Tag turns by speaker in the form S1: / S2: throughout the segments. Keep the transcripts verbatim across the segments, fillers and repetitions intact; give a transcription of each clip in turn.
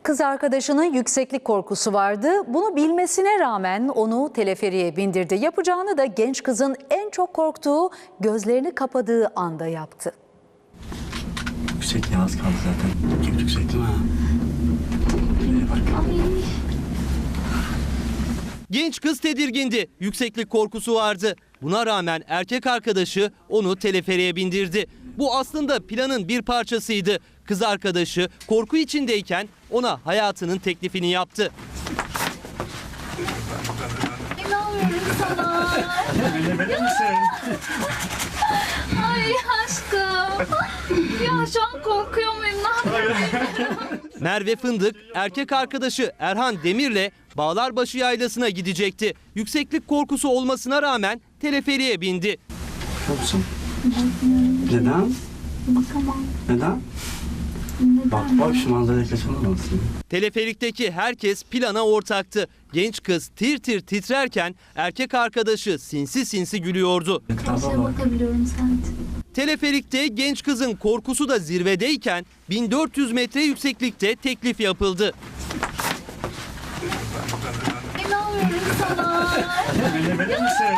S1: Kız arkadaşının yükseklik korkusu vardı. Bunu bilmesine rağmen onu teleferiğe bindirdi. Yapacağını da genç kızın en çok korktuğu gözlerini kapadığı anda yaptı.
S2: Yüksekliğe az kaldı zaten. Çok yüksek değil mi? Şuraya bak.
S3: Genç kız tedirgindi. Yükseklik korkusu vardı. Buna rağmen erkek arkadaşı onu teleferiğe bindirdi. Bu aslında planın bir parçasıydı. Kız arkadaşı korku içindeyken ona hayatının teklifini yaptı.
S4: İnanmıyorum sana.
S2: Bilebilir misin?
S4: Ay aşkım. Ya şu an korkuyor muyum? Ne yapayım?
S3: Merve Fındık erkek arkadaşı Erhan Demir'le Bağlarbaşı Yaylası'na gidecekti. Yükseklik korkusu olmasına rağmen teleferiğe bindi.
S2: Korkuyor musun? Neden?
S4: Bakamam.
S2: Neden? Bak bak şu manzarayı kaçırmamalısın.
S3: Teleferikteki herkes plana ortaktı. Genç kız tir tir titrerken erkek arkadaşı sinsi sinsi gülüyordu.
S4: Her şeye bakabiliyorum sadece.
S3: Teleferikte genç kızın korkusu da zirvedeyken bin dört yüz metre yükseklikte teklif yapıldı.
S4: İnanmıyorum sana.
S2: Bilebilir misin?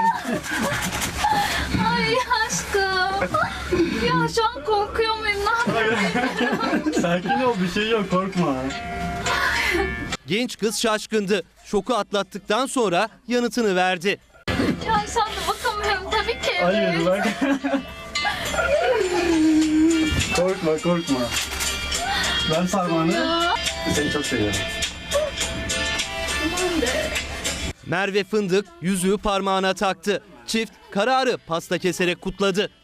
S4: Ay aşkım. Ya şu an korkuyor muyum? Ne yapayım?
S2: Sakin ol, bir şey yok, korkma.
S3: Genç kız şaşkındı. Şoku atlattıktan sonra yanıtını verdi.
S4: Ya şu anda bakamıyorum tabii ki. Evet.
S2: Hayır bak. Korkma korkma. Ben parmağını. Seni çok seviyorum.
S3: Merve Fındık yüzüğü parmağına taktı. Çift kararı pasta keserek kutladı.